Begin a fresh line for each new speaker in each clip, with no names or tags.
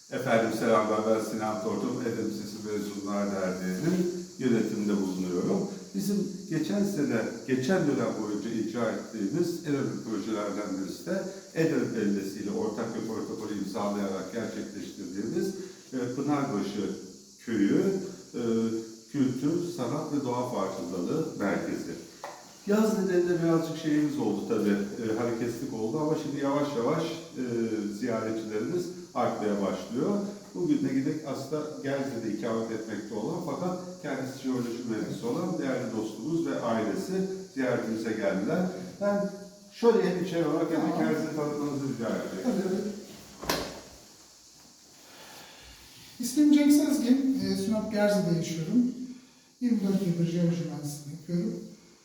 Efendim selamlar, ben Sinan Tortum, Edep Lisesi Mezunlar Derneği'nin yönetiminde bulunuyorum. Bizim geçen dönem boyunca icra ettiğimiz en önemli projelerden birisi de Edep Belediyesi ile ortak bir protokolü imzalayarak gerçekleştirdiğimiz Pınarbaşı Köyü Kültür, Sanat ve Doğa Farkındalığı Merkezi. Yaz nedeniyle birazcık şeyimiz oldu tabii, hareketlilik oldu ama şimdi yavaş yavaş ziyaretçilerimiz artmaya başlıyor. Bugün de gidip aslında Gerze'de ikamet etmekte olan fakat kendisi jeoloji mühendisi olan değerli dostumuz ve ailesi ziyaretimize geldiler. Ben şöyle hem içeri olarak hem de kendinizi tanıtmanızı rica edeceğim.
İsmim Cenk Sezgin, Sinop Gerze'de yaşıyorum. 24 yıldır jeoloji mühendisliği yapıyorum.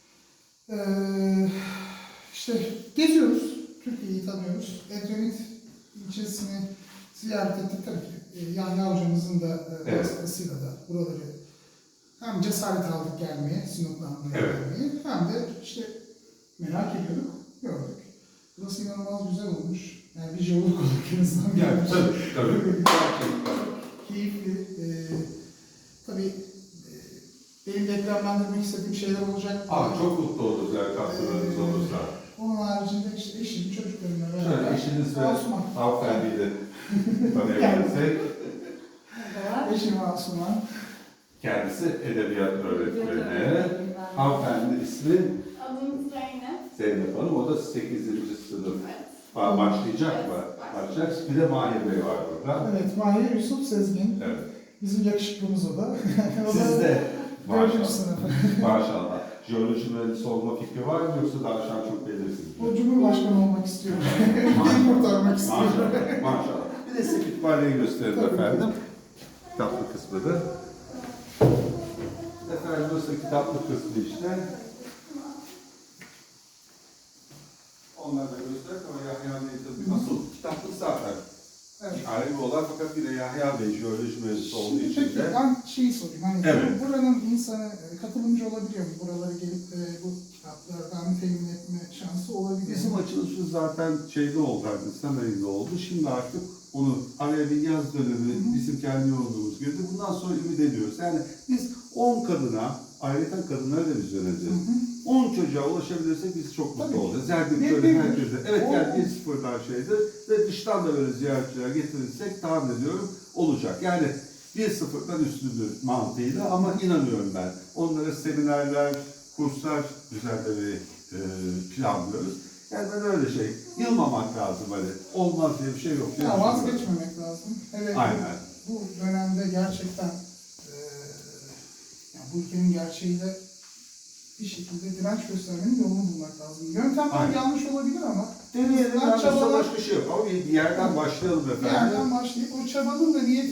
İşte geziyoruz, Türkiye'yi tanıyoruz. Edremit ilçesini ziyaret ettik tabii ki. Yahya hocamızın da vasıtasıyla da buraları hem cesaret aldık gelmeye, Sinop'tan buraya gelmeye, hem de işte merak ediyorduk, gördük. Burası inanılmaz güzel olmuş. Yani bir jeolog olarak en azından
Yani tabii.
Keyifli. Tabii benim de eklemlendirmek istediğim şeyler olacak.
Çok mutlu oluruz eğer katkılarınız olursa.
Onun haricinde işte eşim, çocuklarımla beraber.
Şöyle eşiniz ve
Asuman.
hanımefendiyi de tanıyabilirsek.
Eşim Asuman.
Kendisi edebiyat öğretmeni. Hanımefendi ismi
Adım Zeynep.
Zeynep Hanım. O da 8. sınıf.
Evet.
Başlayacak mı?
Evet,
Başlayacak. Bir de Mahir Bey var burada.
Evet, Mahir Yusuf Sezgin.
Evet.
Bizim yakışıklımız o da.
Siz de
4.
maşallah.
sınıf.
Maşallah. Jeoloji mühendisi olma fikri var mı yoksa daha şu an çok belirsiz mi?
O Cumhurbaşkanı olmak istiyor. Ülkeyi kurtarmak istiyor.
Maşallah. Maşallah. Bir de size kütüphaneyi gösterelim
Tabii.
efendim. Kitaplı kısmı da. Efendim burası kitaplı kısmı işte. Onları da gösterdik ama Yahya Bey tabii asıl kitaplık zaten.
Evet.
Ayrı olan fakat bir de Yahya Bey jeoloji mühendisi olduğu için
Peki
de.
ben şeyi sorayım. Hani
Evet.
buranın insanı katılımcı olabiliyor mu? Buralara gelip bu kitaplardan temin etme şansı olabiliyor
Bizim
mu?
açılışımız zaten şeyde oldu, Nisan ayında oldu. Şimdi artık onu araya bir yaz dönemi bizim kendi yolculuğumuz girdi. Bundan sonra ümit ediyoruz. Yani biz 10 kadına, ayrıca kadınlara da biz yöneleceğiz. 10 çocuğa ulaşabilirsek biz çok mutlu
Tabii.
olacağız. Yani
Ne
böyle
bileyim.
herkese. Evet
O-
yani bir sıfırdan şeydir. Ve dıştan da böyle ziyaretçiler getirirsek tahmin ediyorum olacak. Yani bir sıfırdan üstündür mantığıyla ama inanıyorum ben. Onlara seminerler, kurslar düzenlemeyi planlıyoruz. Yani ben öyle şey, yılmamak lazım hani. Olmaz diye bir şey yok.
Ya vazgeçmemek lazım. Evet.
Aynen.
Bu dönemde gerçekten yani bu ülkenin gerçeğiyle bir şekilde direnç göstermenin yolunu bulmak lazım. Yöntemler
Aynen.
yanlış olabilir ama
Deneyelim,
çabalar-
başka şey yok. Ama bir yerden başlayalım
bir
efendim.
yerden başlayıp o çabanın da niyeti